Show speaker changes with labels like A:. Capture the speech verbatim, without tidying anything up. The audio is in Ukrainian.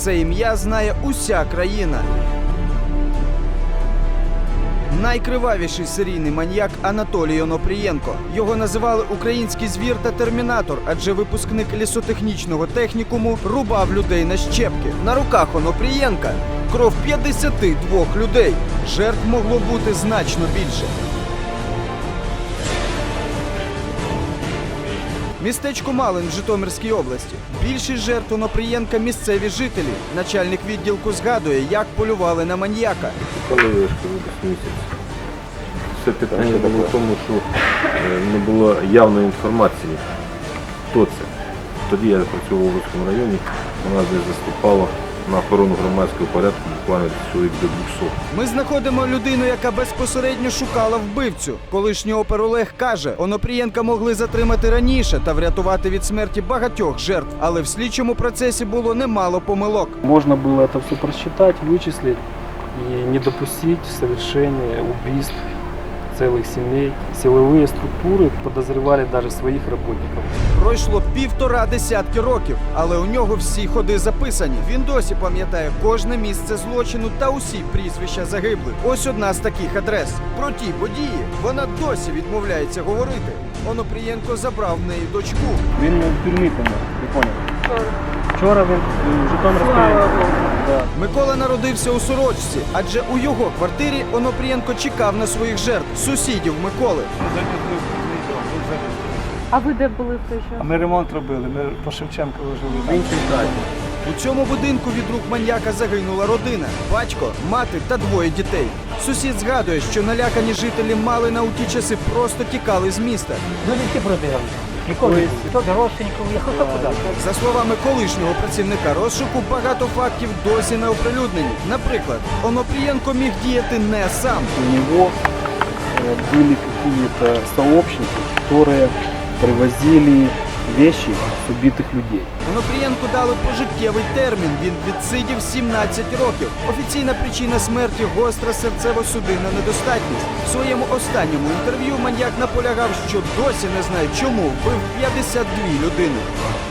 A: це ім'я знає уся країна. Найкривавіший серійний маніяк Анатолій Онопрієнко. Його називали український звір та термінатор, адже випускник лісотехнічного технікуму рубав людей на щепки. На руках Онопрієнка кров п'ятдесят двох людей. Жертв могло бути значно більше. Містечко Малин в Житомирській області. Більшість жертв Онопрієнка – місцеві жителі. Начальник відділку згадує, як полювали на маніяка.
B: Коли вишки місяць. Все питання було в тому, що не було явної інформації, хто це. Тоді я працював у Луцькому районі, вона десь заступала на охорону громадського порядку буквально чоловік до двохсот.
A: Ми знаходимо людину, яка безпосередньо шукала вбивцю. Колишній опер Олег каже, Онопрієнка могли затримати раніше та врятувати від смерті багатьох жертв. Але в слідчому процесі було немало помилок.
C: Можно было это все просчитать, вычислить и не допустить совершения убийств целых семей. Силовые структуры подозревали даже своих работников.
A: Пройшло півтора десятки років, але у нього всі ходи записані. Він досі пам'ятає кожне місце злочину та усі прізвища загиблих. Ось одна з таких адрес. Про ті події вона досі відмовляється говорити. Онопрієнко забрав в неї дочку.
C: Він в тюрмі помер, не понял. Вчора він в Житомирській. Да.
A: Микола народився у Сорочці, адже у його квартирі Онопрієнко чекав на своїх жертв, сусідів Миколи.
D: А ви де були в той час?
E: А ми ремонт робили, ми по Шевченку жили.
A: У цьому будинку від рук маньяка загинула родина – батько, мати та двоє дітей. Сусід згадує, що налякані жителі Малина у ті часи просто тікали з міста.
F: Люди всі пробігали. Ніколи. Хто родственників їхав, хто куди.
A: За словами колишнього працівника розшуку, багато фактів досі не оприлюднені. Наприклад, Онопрієнко міг діяти не сам.
C: У него э, были какие-то сообщники, которые привозили вещи с убитых людей.
A: Онопрієнку дали пожиттєвий термін, він відсидів сімнадцять років. Офіційна причина смерті – гостра серцево-судинна недостатність. В своєму останньому інтерв'ю маньяк наполягав, що досі не знає, чому вбив п'ятдесят дві людини.